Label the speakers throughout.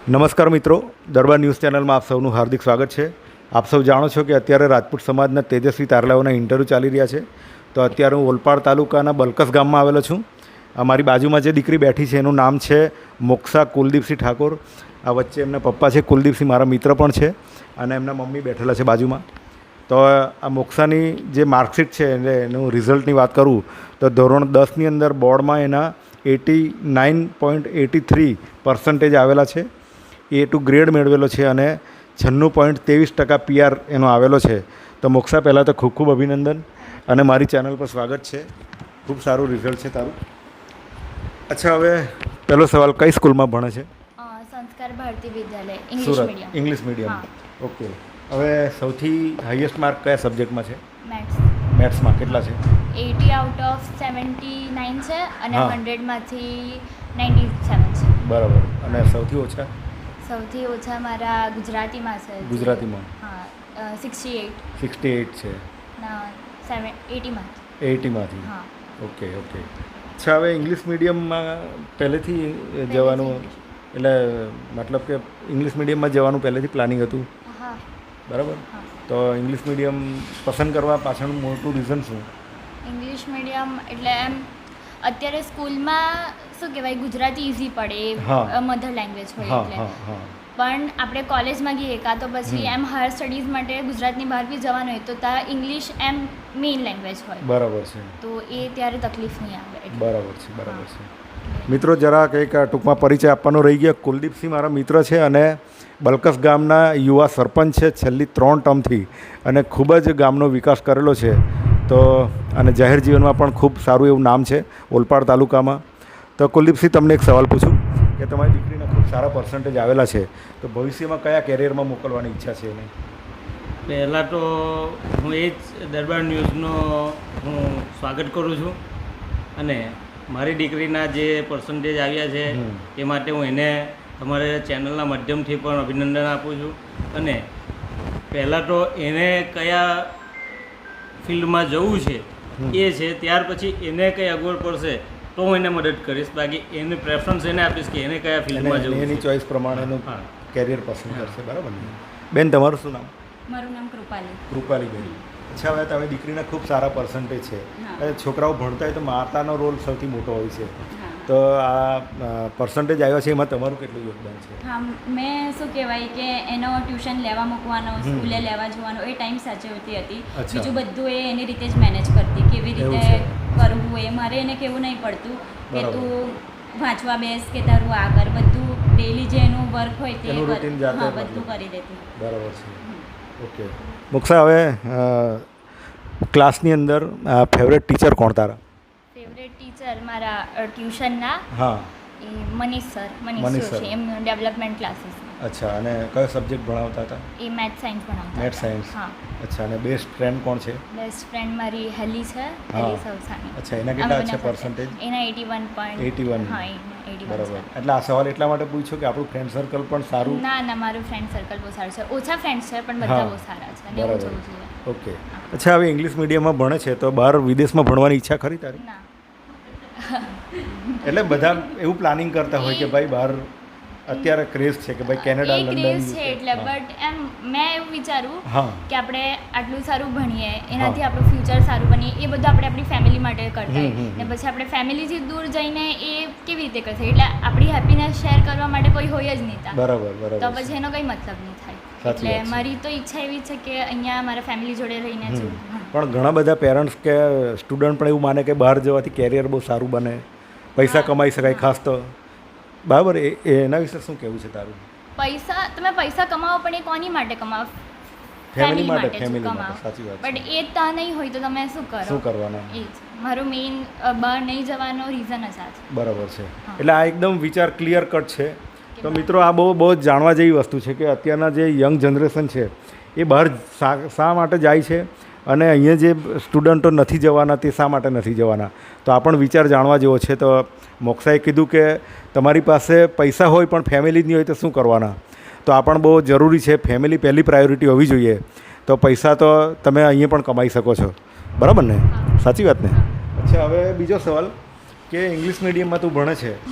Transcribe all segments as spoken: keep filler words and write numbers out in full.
Speaker 1: નમસ્કાર મિત્રો, દરબાર ન્યૂઝ ચેનલમાં આપ સૌનું હાર્દિક સ્વાગત છે. આપ સૌ જાણો છો કે અત્યારે રાજપૂત સમાજના તેજસ્વી તારલાઓના ઇન્ટરવ્યૂ ચાલી રહ્યા છે. તો અત્યારે હું ઓલપાડ તાલુકાના બલકસ ગામમાં આવેલો છું. અમારી બાજુમાં જે દીકરી બેઠી છે એનું નામ છે મોક્ષા કુલદીપસિંહ ઠાકોર. આ વચ્ચે એમના પપ્પા છે કુલદીપસિંહ, મારા મિત્ર પણ છે, અને એમના મમ્મી બેઠેલા છે બાજુમાં. તો આ મોક્ષાની જે માર્કશીટ છે એટલે એનું રિઝલ્ટની વાત કરું તો ધોરણ દસની અંદર બોર્ડમાં એના eighty nine point eighty three percentage આવેલા છે. એ ટુ ગ્રેડ મેળવેલો છે અને છન્નું પોઈન્ટ ત્રેવીસ ટકા પીઆર એનો આવેલો છે. તો મોક્ષા, પહેલાં તો ખૂબ ખૂબ અભિનંદન અને મારી ચેનલ પર સ્વાગત છે. ખૂબ સારું રિઝલ્ટ છે તારું. અચ્છા, હવે પહેલો સવાલ, કઈ સ્કૂલમાં ભણે છે?
Speaker 2: Sanskar Bharati Vidyalaya, English medium.
Speaker 1: English medium, okay. હવે સૌથી હાઈએસ્ટ માર્ક કયા સબ્જેક્ટમાં છે?
Speaker 2: મેથ્સ.
Speaker 1: મેથ્સમાં કેટલા છે?
Speaker 2: Eighty out of seventy nine છે અને હંડ્રેડમાંથી નાઇન્ટી સેવન છે.
Speaker 1: બરાબર. અને સૌથી ઓછા?
Speaker 2: સૌથી ઓછા મારા ગુજરાતીમાં છે.
Speaker 1: ગુજરાતીમાં?
Speaker 2: હા, સિક્સટી એટ.
Speaker 1: સિક્સટી એટ છે.
Speaker 2: ના, સેવન એટીમાં.
Speaker 1: એટીમાંથી?
Speaker 2: હા.
Speaker 1: Okay okay. અચ્છા, હવે ઇંગ્લિશ મીડિયમમાં પહેલેથી જવાનું, એટલે મતલબ કે ઇંગ્લિશ મીડિયમમાં જવાનું પહેલેથી પ્લાનિંગ હતું?
Speaker 2: હા.
Speaker 1: બરાબર. તો ઇંગ્લિશ મીડિયમ પસંદ કરવા પાછળનું મોટું રીઝન શું?
Speaker 2: ઇંગ્લિશ મીડિયમ એટલે એમ અત્યારે સ્કૂલમાં શું કહેવાય, ગુજરાતી ઇઝી પડે, મધર લેંગ્વેજ હોય એટલે. પણ આપણે કોલેજમાં ગઈએ કાં તો પછી એમ હાયર સ્ટડીઝ માટે ગુજરાતની બહાર બી જવાનું હોય તો ત્યાં ઇંગ્લિશ એમ મેઇન લેંગ્વેજ હોય.
Speaker 1: બરાબર છે.
Speaker 2: તો એ ત્યારે તકલીફ નહીં આવે.
Speaker 1: બરાબર છે, બરાબર છે. મિત્રો, જરા કંઈક ટૂંકમાં પરિચય આપવાનો રહી ગયા. કુલદીપસિંહ મારા મિત્ર છે અને બલકસ ગામના યુવા સરપંચ છે છેલ્લી ત્રણ ટર્મથી, અને ખૂબ જ ગામનો વિકાસ કરેલો છે. તો અને જાહેર જીવનમાં પણ ખૂબ સારું એવું નામ છે ઓલપાડ તાલુકામાં. તો કુલદીપસિંહ, તમને એક સવાલ પૂછું કે તમારી દીકરીના ખૂબ સારા પર્સન્ટેજ આવેલા છે, તો ભવિષ્યમાં કયા કેરિયરમાં મોકલવાની ઈચ્છા છે એને?
Speaker 3: પહેલાં તો હું એ જ દરબાર ન્યૂઝનો હું સ્વાગત કરું છું, અને મારી દીકરીના જે પર્સન્ટેજ આવ્યા છે એ માટે હું એને તમારે ચેનલના માધ્યમથી પણ અભિનંદન આપું છું. અને પહેલાં તો એને કયા ફિલ્ડમાં જવું છે એ છે, ત્યાર પછી એને કંઈ અગવડ પડશે તો હું એને મદદ કરીશ. બાકી એની પ્રેફરન્સ એને આપીશ કે એને કયા ફિલ્ડમાં જવું,
Speaker 1: એની ચોઈસ પ્રમાણેનું કેરિયર પસંદ કરશે. બરાબર ને બેન? તમારું શું નામ?
Speaker 2: મારું નામ કૃપાલી.
Speaker 1: કૃપાલી બેન. અચ્છા, હવે તમે દીકરીના ખૂબ સારા પર્સન્ટેજ છે. છોકરાઓ ભણતા હોય તો માતાનો રોલ સૌથી મોટો હોય છે. તો આ પર્સન્ટેજ આવ્યો છે, એમાં તમારું કેટલું યોગદાન છે?
Speaker 4: હા, મેં શું કહેવાય કે એનો ટ્યુશન લેવા મૂકવાનો, સ્કૂલે લેવા જવાનો એ ટાઈમ સાચવતી હતી. બીજું બધું એ એની રીતે જ મેનેજ કરતી, કેવી રીતે કરવું એ મારે એને કહેવું નહીં પડતું કે તું વાંચવા બેસ કે તારું આ કર. બધું ડેલી જે એનું વર્ક હોય તે હા બધું કરી દેતી.
Speaker 1: બરાબર છે. ઓકે મોક્ષા, હવે ક્લાસની અંદર ફેવરેટ ટીચર કોણ તારા?
Speaker 2: ફેવરેટ ટીચર મારા ટ્યુશનના
Speaker 1: હા
Speaker 2: એ મનીષ સર. મનીષ સર છે, એમનું ડેવલપમેન્ટ ક્લાસીસ.
Speaker 1: અચ્છા, અને કયો સબ્જેક્ટ ભણાવતા હતા?
Speaker 2: એ મેથ્સ સાયન્સ ભણાવતા.
Speaker 1: Maths science.
Speaker 2: હા.
Speaker 1: અચ્છા, અને બેસ્ટ ફ્રેન્ડ કોણ છે?
Speaker 2: બેસ્ટ ફ્રેન્ડ મારી હેલી છે, હેલી સવસાની.
Speaker 1: અચ્છા, એના કેટલા છે પર્સન્ટેજ?
Speaker 2: એના eighty one point
Speaker 1: eighty one.
Speaker 2: હા, એટી વન.
Speaker 1: બરાબર. એટલે આ સવાલ એટલા માટે પૂછ્યો કે આપણું ફ્રેન્ડ સર્કલ પણ સારું?
Speaker 2: ના ના, મારું ફ્રેન્ડ સર્કલ બહુ સારું છે. ઓછા ફ્રેન્ડ્સ છે પણ બધા બહુ સારા છે.
Speaker 1: બરાબર. ઓકે. અચ્છા, હવે ઇંગ્લિશ મીડિયમમાં ભણે છે તો બહાર વિદેશમાં ભણવાની ઈચ્છા ખરી તારી?
Speaker 2: ના.
Speaker 1: એટલે બધા એવું પ્લાનિંગ કરતા હોય કે ભાઈ બહાર અત્યારે ક્રેઝ છે કે ભાઈ કેનેડા, લંડન
Speaker 2: છે એટલે, બટ એમ મેં એવું વિચારું કે આપણે આટલું સારું ભણીએ, એનાથી આપણું ફ્યુચર સારું બનીએ, એ બધું આપણે આપણી ફેમિલી માટે કરતા હોય ને પછી આપણે ફેમિલીથી દૂર જઈને એ કેવી રીતે કરશે? એટલે આપણી હેપીનેસ શેર કરવા માટે કોઈ હોય જ નહીં ત્યાં.
Speaker 1: બરાબર બરાબર.
Speaker 2: તો પછી એનો કંઈ મતલબ નહીં થાય. એટલે મારી તો ઈચ્છા એવી છે કે અહીંયા મારા ફેમિલી જોડે રહીને જ.
Speaker 1: પણ ઘણા બધા પેરેન્ટ્સ કે સ્ટુડન્ટ પણ એવું માને કે બહાર જવાથી કેરિયર બહુ સારું બને, પૈસા કમાઈ શકાય. ખાસ તો બરાબર, એ એના વિશે શું કહેવું છે તારું?
Speaker 2: પૈસા તમે પૈસા કમાવો પણ એ કોની માટે કમાવો?
Speaker 1: ફેમિલી માટે. ફેમિલી માટે, સાચી વાત.
Speaker 2: બટ એ ત્યાં નહીં હોય તો તમે શું કરો?
Speaker 1: શું કરવાના?
Speaker 2: એ જ મારું મેઇન બહાર નહીં જવાનો રીઝન જ આ છે.
Speaker 1: બરાબર છે. એટલે આ એકદમ વિચાર ક્લિયર કટ છે. તો મિત્રો, આ બહુ બહુ જ જાણવા જેવી વસ્તુ છે કે અત્યારના જે યંગ જનરેશન છે એ બહાર શા માટે જાય છે અને અહીંયા જે સ્ટુડન્ટો નથી જવાના તે શા માટે નથી જવાના. તો આ પણ વિચાર જાણવા જેવો છે. તો મોક્ષાએ કીધું કે તમારી પાસે પૈસા હોય પણ ફેમિલી જ નહીં હોય તો શું કરવાના? તો આ પણ બહુ જરૂરી છે. ફેમિલી પહેલી પ્રાયોરિટી હોવી જોઈએ. તો પૈસા તો તમે અહીંયા પણ કમાઈ શકો છો. બરાબર ને? સાચી વાત ને? અચ્છા, હવે બીજો સવાલ કે ઇંગ્લિશ મીડિયમમાં તું ભણે છે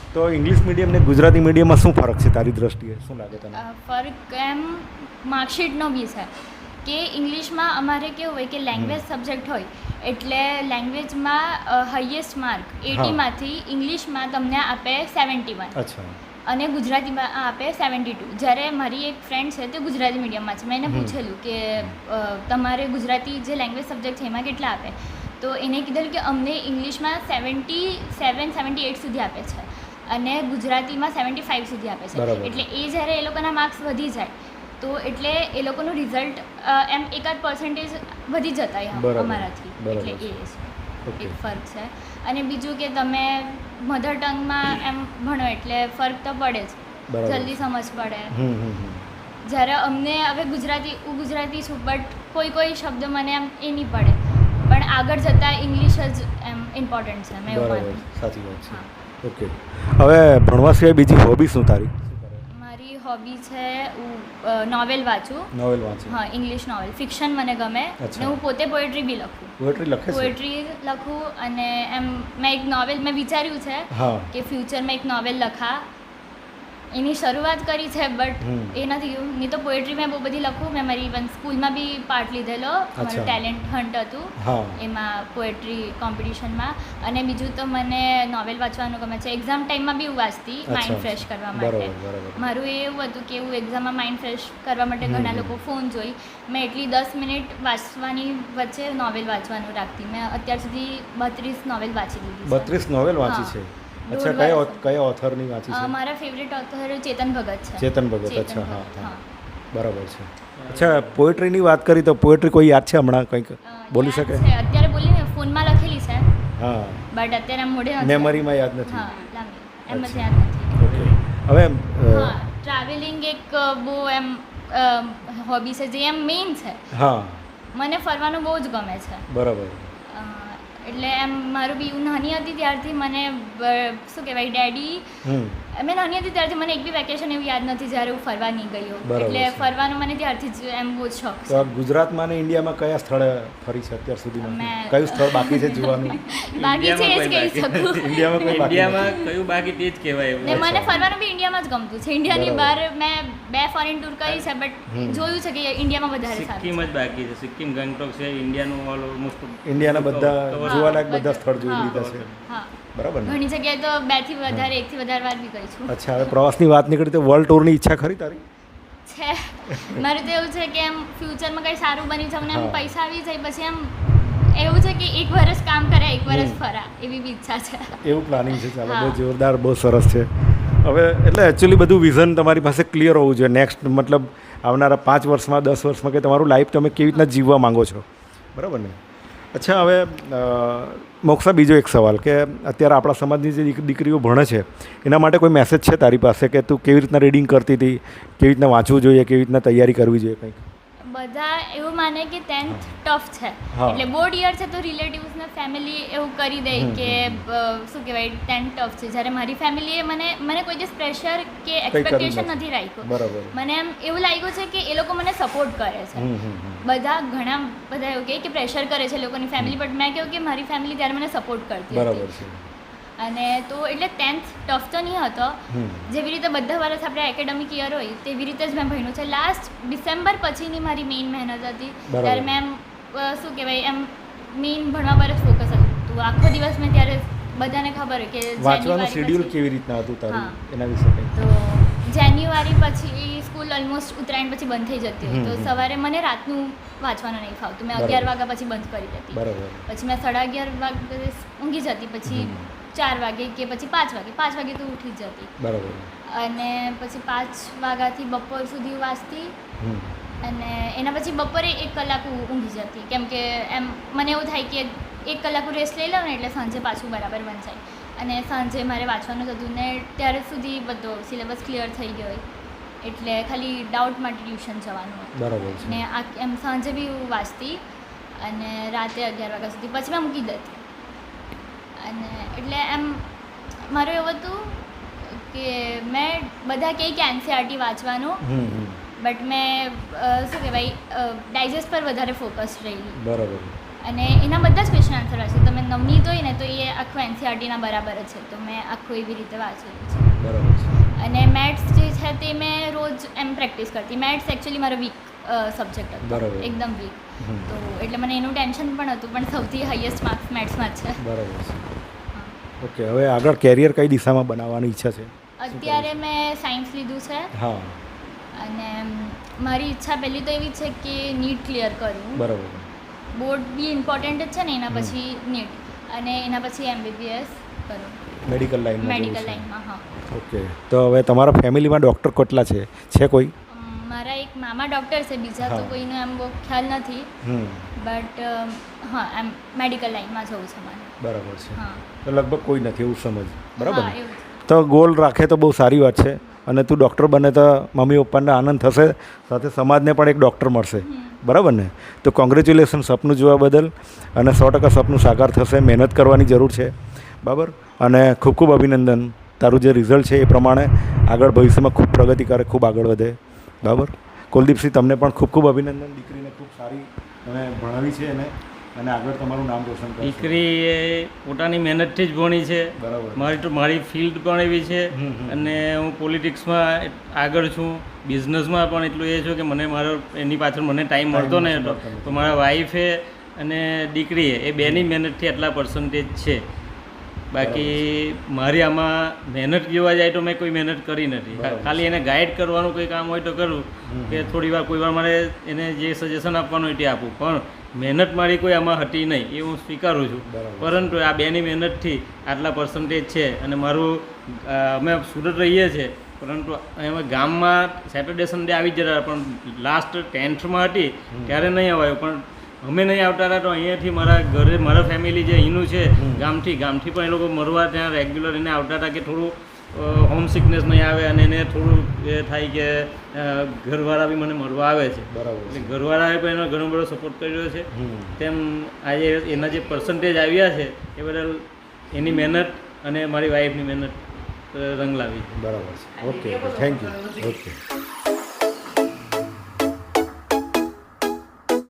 Speaker 1: તો ઇંગ્લિશ મીડિયમ ને ગુજરાતી મીડિયમમાં શું ફરક છે તારી દ્રષ્ટિએ, શું લાગે તને?
Speaker 2: અ, ફરક એમ માર્કશીટનો બી છે કે ઇંગ્લિશમાં અમારે કેવું હોય કે લેંગ્વેજ સબ્જેક્ટ હોય એટલે લેંગ્વેજમાં હાઈએસ્ટ માર્ક એટીમાંથી ઇંગ્લિશમાં તમને આપે સેવન્ટી વન
Speaker 1: અચ્છા.
Speaker 2: અને ગુજરાતીમાં આપે સેવન્ટી ટુ. જ્યારે મારી એક ફ્રેન્ડ છે તે ગુજરાતી મીડિયમમાં છે, મેં એને પૂછેલું કે અ, તમારે ગુજરાતી જે લેંગ્વેજ સબ્જેક્ટ છે એમાં કેટલા આપે, તો એને કીધેલું કે અમને ઇંગ્લિશમાં સેવન્ટી સેવન સેવન્ટી એટ સુધી આપે છે અને ગુજરાતીમાં સેવન્ટી ફાઇવ સુધી આપે છે.
Speaker 1: બરાબર.
Speaker 2: એટલે એ જ્યારે એ લોકોના માર્ક્સ વધી જાય તો એટલે એ લોકોનું રિઝલ્ટ એમ એકાદ પર્સન્ટેજ વધી જતા એમ
Speaker 1: બરાબર.
Speaker 2: અમારાથી.
Speaker 1: બરાબર
Speaker 2: એટલે એ
Speaker 1: છે.
Speaker 2: છે
Speaker 1: ઓકે.
Speaker 2: એક ફરક છે. અને બીજું કે તમે મધર ટંગમાં એમ ભણો એટલે ફરક તો પડે જ,
Speaker 1: બરાબર.
Speaker 2: જલ્દી સમજ પડે.
Speaker 1: હમ હમ હમ.
Speaker 2: જ્યારે અમને હવે ગુજરાતી હું ગુજરાતી છું બટ કોઈ કોઈ શબ્દ મને એમ એ નહીં પડે, પણ આગળ જતાં ઇંગ્લિશ જ એમ ઇમ્પોર્ટન્ટ છે, મેં એવું
Speaker 1: બરાબર,
Speaker 2: માનું.
Speaker 1: સાચી વાત છે.
Speaker 2: હા.
Speaker 1: ઓકે. હવે ભણવા સિવાય બીજી હોબી શું તારી?
Speaker 2: મારી હોબી છે હું નોવેલ વાંચું.
Speaker 1: નોવેલ વાંચે?
Speaker 2: હા, ઇંગ્લિશ નોવેલ, ફિક્શન મને ગમે.
Speaker 1: અચ્છા.
Speaker 2: ને હું પોતે પોએટ્રી બી લખું.
Speaker 1: પોએટ્રી લખે છે?
Speaker 2: પોએટ્રી લખું અને એમ મેં એક નોવેલ મેં વિચાર્યું છે
Speaker 1: હા.
Speaker 2: કે ફ્યુચરમાં એક નોવેલ લખા. એની શરૂઆત કરી છે બટ
Speaker 1: હમ.
Speaker 2: એ નથી ગયું. નહીં તો પોએટ્રી મેં બહુ બધી લખું. મેં મારી ઇવન સ્કૂલમાં બી પાર્ટ લીધેલો,
Speaker 1: અચ્છા.
Speaker 2: મારું ટેલેન્ટ હન્ટ હતું
Speaker 1: હા.
Speaker 2: એમાં પોએટ્રી કોમ્પિટિશનમાં. અને બીજું તો મને નોવેલ વાંચવાનું ગમે છે. એક્ઝામ ટાઈમમાં બી હું વાંચતી માઇન્ડ
Speaker 1: અચ્છા.
Speaker 2: ફ્રેશ કરવા
Speaker 1: બરાબર,
Speaker 2: માટે.
Speaker 1: બરાબર.
Speaker 2: મારું એ એવું હતું કે હું એક્ઝામમાં માઇન્ડ ફ્રેશ કરવા માટે
Speaker 1: હમ,
Speaker 2: ઘણા
Speaker 1: હમ.
Speaker 2: લોકો ફોન જોઈ, મેં એટલી દસ મિનિટ વાંચવાની વચ્ચે નોવેલ વાંચવાનું રાખતી. મેં અત્યાર સુધી બત્રીસ નોવેલ વાંચી દીધી છે.
Speaker 1: બત્રીસ નોવેલ વાંચી
Speaker 2: હા.
Speaker 1: છે?
Speaker 2: દોઢ
Speaker 1: અચ્છા. કયા
Speaker 2: વર્ષ.
Speaker 1: ઓથ- કયા ઓથરની વાંચી
Speaker 2: અ,
Speaker 1: છે?
Speaker 2: મારા ફેવરેટ ઓથર ચેતન ભગત છે.
Speaker 1: ચેતન ભગત.
Speaker 2: ચેતન
Speaker 1: અચ્છા. હા
Speaker 2: ભગત,
Speaker 1: હા. બરાબર છે. અચ્છા, પોએટ્રીની વાત કરી તો પોએટ્રી કોઈ યાદ છે હમણાં કંઈક
Speaker 2: અ,
Speaker 1: બોલી
Speaker 2: યાદ
Speaker 1: શકે?
Speaker 2: છે. અત્યારે બોલીને ફોનમાં લખેલી છે
Speaker 1: હા.
Speaker 2: બટ અત્યારે આમ મોઢે નથી.
Speaker 1: મેમરીમાં યાદ નથી?
Speaker 2: હા, લાંબી એમ જ
Speaker 1: અચ્છા.
Speaker 2: યાદ નથી.
Speaker 1: ઓકે. હવે અ,
Speaker 2: હા, ટ્રાવેલિંગ એક અ, બહુ એમ હોબી છે જે એમ મેઇન છે.
Speaker 1: હા.
Speaker 2: મને ફરવાનું બહુ જ ગમે છે.
Speaker 1: બરાબર.
Speaker 2: અ, એટલે એમ મારું બી હું નાની હતી ત્યારથી મને બ- શું કહેવાય ડેડી
Speaker 1: હમ.
Speaker 2: મેં નાની હતી ત્યારથી મને એક બી વેકેશન એવું યાદ નથી જ્યારે હું ફરવા નહીં ગઈ હોઉં.
Speaker 1: બરાબર
Speaker 2: એટલે
Speaker 1: છે.
Speaker 2: ફરવાનું મને ત્યારથી જ એમ બહુ જ શોખ
Speaker 1: તો
Speaker 2: છે.
Speaker 1: આ ગુજરાતમાં ને ઇન્ડિયામાં કયા સ્થળે ફરી છે અત્યાર સુધીમાં?
Speaker 2: મેં-
Speaker 1: કયું સ્થળ બાકી છે જોવાનું?
Speaker 2: બાકી છે એ જ કહી
Speaker 3: ઇન્ડિયામાં
Speaker 2: શકું.
Speaker 1: ઇન્ડિયામાં કોઈ બાકી
Speaker 3: ઇન્ડિયામાં કયું બાકી તે જ કહેવાય એવું
Speaker 2: ને
Speaker 3: છે.
Speaker 2: મને ફરવાનું બી ઇન્ડિયામાં જ ગમતું છે. ઇન્ડિયાની
Speaker 1: બરાબર.
Speaker 2: બહાર મેં બે ફોરેન ટૂર કરી છે બટ
Speaker 1: હમ.
Speaker 2: જોયું છે કે ઇન્ડિયામાં વધારે સારું
Speaker 3: સિક્કિમ
Speaker 2: છે.
Speaker 3: જ બાકી છે. સિક્કિમ ગંગટોક છે ઇન્ડિયાનું ઓલ ઓલમોસ્ટ
Speaker 1: ઇન્ડિયાના બધા
Speaker 2: હા,
Speaker 1: જોવાલાયક બધા
Speaker 2: બધા.
Speaker 1: સ્થળ જોઈ
Speaker 2: હા.
Speaker 1: લીધા છે.
Speaker 2: હા,
Speaker 1: બરાબર ને?
Speaker 2: ઘણી જગ્યાએ તો બે થી વધારે એક થી વધારે વાર બી ગઈ છું.
Speaker 1: અચ્છા. હવે પ્રવાસની વાત નીકળી તો વર્લ્ડ ટૂરની ઈચ્છા ખરી તારી?
Speaker 2: છે મારું તો એવું છે કે એમ ફ્યુચરમાં કંઈ સારું બની જાવ ને એમ
Speaker 1: હા.
Speaker 2: પૈસા આવી જાય પછી એમ એવું છે કે એક વર્ષ કામ કરે એક વર્ષ
Speaker 1: હમ.
Speaker 2: ફરા એવી બી ઈચ્છા છે.
Speaker 1: એવું પ્લાનિંગ છે? ચાલો,
Speaker 2: હા.
Speaker 1: બહુ જોરદાર, બહુ સરસ છે. હવે એટલે એકચ્યુઅલી બધું વિઝન તમારી પાસે ક્લિયર હોવું જોઈએ. નેક્સ્ટ મતલબ આવનારા પાંચ વર્ષમાં, દસ વર્ષમાં કે તમારું લાઈફ તમે કેવી રીતના જીવવા માંગો છો, બરાબર ને? અચ્છા. હવે અ, મોક્ષા, બીજો એક સવાલ કે અત્યારે આપણા સમાજની જે દીક- દીકરીઓ ભણે છે એના માટે કોઈ મેસેજ છે તારી પાસે કે તું કેવી રીતના રીડિંગ કરતી હતી, કેવી રીતના વાંચવું જોઈએ, કેવી રીતના તૈયારી કરવી જોઈએ કંઈક?
Speaker 2: બધા એવું માને કે ટેન્થ ટફ છે
Speaker 1: હા.
Speaker 2: એટલે બોર્ડ યર છે તો રિલેટિવ્સને ફેમિલી એવું કરી દે
Speaker 1: હમ,
Speaker 2: કે અ, શું કહેવાય ટેન્થ ટફ છે. જ્યારે મારી ફેમિલીએ મને મને કોઈ દિવસ પ્રેશર કે
Speaker 1: કર્યું
Speaker 2: એક્સપેક્ટેશન
Speaker 1: નથી.
Speaker 2: નથી રાખ્યું.
Speaker 1: બરાબર.
Speaker 2: મને એમ એવું લાગ્યું છે કે એ લોકો મને સપોર્ટ કરે છે.
Speaker 1: હમ હમ હમ.
Speaker 2: બધા ઘણા બધા એવું કહે કે પ્રેશર કરે છે લોકોની ફેમિલી બટ મેં કહ્યું કે મારી ફેમિલી ત્યારે મને સપોર્ટ કરતી
Speaker 1: બરાબર
Speaker 2: હતી.
Speaker 1: છે.
Speaker 2: અને તો એટલે ટેન્થ ટફ તો નહીં હતો.
Speaker 1: હમ.
Speaker 2: જેવી રીતે બધા વર્ષ આપણે એકેડેમિક યર હોય તેવી રીતે જ મેં ભણ્યું છે. લાસ્ટ ડિસેમ્બર પછીની મારી મેઇન મહેનત હતી.
Speaker 1: બરાબર.
Speaker 2: ત્યારે મેં એમ અ, શું કહેવાય એમ મેઇન ભણવા પર જ ફોકસ હતું. તો આખો દિવસ મેં ત્યારે બધાને ખબર હોય કે
Speaker 1: વાંચવાનું
Speaker 2: જાન્યુઆરી
Speaker 1: શેડ્યુલ
Speaker 2: પછી-
Speaker 1: કેવી રીતના હતું તારું?
Speaker 2: હા.
Speaker 1: એના વિશે કંઈક?
Speaker 2: તો જાન્યુઆરી પછી સ્કૂલ ઓલમોસ્ટ ઉત્તરાયણ પછી બંધ થઈ જતી હોય
Speaker 1: હમ,
Speaker 2: તો
Speaker 1: હમ.
Speaker 2: સવારે મને રાતનું વાંચવાનું નહીં ફાવતું. મેં
Speaker 1: બરાબર.
Speaker 2: અગિયાર વાગ્યા પછી બંધ કરી દેતી.
Speaker 1: બરાબર.
Speaker 2: પછી મેં સાડા અગિયાર વાગે ઊંઘી જતી. પછી
Speaker 1: હમ.
Speaker 2: ચાર વાગે કે પછી પાંચ વાગે પાંચ વાગે તો ઉઠી જ જતી.
Speaker 1: બરાબર.
Speaker 2: અને પછી પાંચ વાગ્યાથી બપોર સુધી વાંચતી
Speaker 1: હમ.
Speaker 2: અને એના પછી બપોરે એક કલાક હું ઊંઘી જતી કેમ કે એમ મને એવું થાય કે એક કલાક હું રેસ્ટ લઈ લઉં ને એટલે સાંજે પાછું બરાબર વંચાય. અને સાંજે મારે વાંચવાનું થતું ને ત્યારે સુધી બધો સિલેબસ ક્લિયર થઈ ગયો હોય એટલે ખાલી ડાઉટ માટે ટ્યુશન જવાનું હોય.
Speaker 1: બરાબર છે.
Speaker 2: ને આ એમ સાંજે બી હું વાંચતી અને રાતે અગિયાર વાગ્યા સુધી પછી મેં મૂકી દેતી. અને એટલે એમ મારું એવું હતું કે મેં બધા કહે કે એનસીઆરટી વાંચવાનું
Speaker 1: હમ હમ.
Speaker 2: બટ મેં અ, શું કહેવાય ડાયજેસ્ટ પર વધારે ફોકસ રહેલી.
Speaker 1: બરાબર.
Speaker 2: અને એના બધા જ ક્વેશ્ચન આન્સર હશે. તમે નવનીત હોય ને તો એ આખું એનસીઆરટીના બરાબર જ છે, તો મેં આખું એવી રીતે વાંચેલું છે.
Speaker 1: બરાબર છે.
Speaker 2: અને મેથ્સ જે છે તે મેં રોજ એમ પ્રેક્ટિસ કરતી. મેથ્સ એકચ્યુઅલી મારો વીક સબ્જેક્ટ હતો,
Speaker 1: બરાબર.
Speaker 2: એકદમ વીક, તો એટલે મને એનું ટેન્શન પણ હતું, પણ સૌથી હાઈએસ્ટ માર્ક્સ મેથ્સમાં જ છે.
Speaker 1: બરાબર છે. ઓકે, હવે આગળ કેરિયર કઈ દિશામાં બનાવવાની ઈચ્છા છે?
Speaker 2: અત્યારે મેં સાયન્સ લીધું છે.
Speaker 1: હા.
Speaker 2: અને મારી ઈચ્છા પહેલી તો એવી છે કે નીટ ક્લિયર કરું.
Speaker 1: બરાબર.
Speaker 2: બોર્ડ બી ઇમ્પોર્ટન્ટ જ છે ને, એના પછી નીટ, અને એના પછી એમબીબીએસ કરું
Speaker 1: મેડિકલ લાઈનમાં.
Speaker 2: મેડિકલ લાઈનમાં, હા.
Speaker 1: ઓકે, તો હવે તમારા ફેમિલીમાં ડૉક્ટર કેટલા છે છે કોઈ?
Speaker 2: મારા એક મામા ડૉક્ટર છે, બીજા તો કોઈનો એમ બહુ ખ્યાલ નથી, બટ હા એમ મેડિકલ લાઈનમાં જવું છે મારે.
Speaker 1: બરાબર છે.
Speaker 2: હા,
Speaker 1: તો લગભગ કોઈ નથી એવું સમજ, બરાબર?
Speaker 2: હા, એવું છે.
Speaker 1: તો ગોલ રાખે તો બહુ સારી વાત છે, અને તું ડૉક્ટર બને તો મમ્મી પપ્પાને આનંદ થશે, સાથે સમાજને પણ એક ડૉક્ટર મળશે, બરાબર ને? તો કોંગ્રેચ્યુલેશન સપનું જોવા બદલ, અને સો ટકા સપનું સાકાર થશે. મહેનત કરવાની જરૂર છે, બરાબર? અને ખૂબ ખૂબ અભિનંદન. તારું જે રિઝલ્ટ છે એ પ્રમાણે આગળ ભવિષ્યમાં ખૂબ પ્રગતિ કરે, ખૂબ આગળ વધે, બરાબર? કુલદીપસિંહ, તમને પણ ખૂબ ખૂબ અભિનંદન. દીકરીને ખૂબ સારી અને ભણાવી છે એને, અને આગળ તમારું નામ રોશન કરશે.
Speaker 3: દીકરી એ પોતાની મહેનતથી જ ભણી છે.
Speaker 1: બરાબર.
Speaker 3: મારી તો મારી ફિલ્ડ પણ એવી છે, અને હું પોલિટિક્સમાં આગળ છું, બિઝનેસમાં પણ એટલું એ છું કે મને મારો એની પાછળ મને ટાઈમ મળતો ને હતો, તો મારા વાઈફે અને દીકરીએ એ બેની મહેનતથી આટલા પર્સન્ટેજ છે. બાકી મારી આમાં મહેનત જોવા જાય તો મેં કોઈ મહેનત કરી નથી, ખાલી એને ગાઈડ કરવાનું કોઈ કામ હોય તો કરું, કે થોડી વાર કોઈ વાર મારે એને જે સજેશન આપવાનું હોય તે આપું, પણ મહેનત મારી કોઈ આમાં હતી નહીં એ હું સ્વીકારું છું. પરંતુ આ બેની મહેનતથી આટલા પર્સન્ટેજ છે. અને મારું અમે સુરત રહીએ છીએ, પરંતુ અમે ગામમાં સેટરડે સન્ડે આવી જ જતા, પણ લાસ્ટ ટેન્થમાં હતી ત્યારે નહીં અવાયું, પણ અમે નહીં આવતા હતા તો અહીંયાથી મારા ઘરે મારા ફેમિલી જે અહીંનું છે ગામથી ગામથી પણ એ લોકો મરવા ત્યાં રેગ્યુલર એને આવતા હતા કે થોડું હોમ સિકનેસ નહીં આવે, અને એને થોડું એ થાય કે ઘરવાળા બી મને મળવા આવે છે.
Speaker 1: બરાબર.
Speaker 3: એટલે ઘરવાળાએ પણ એનો ઘણો બધો સપોર્ટ કર્યો છે. તેમ આજે એના જે પર્સન્ટેજ આવ્યા છે એ બદલ એની મહેનત અને મારી વાઈફની મહેનત રંગ લાવી છે.
Speaker 1: બરાબર છે. Okay, thank you. ઓકે.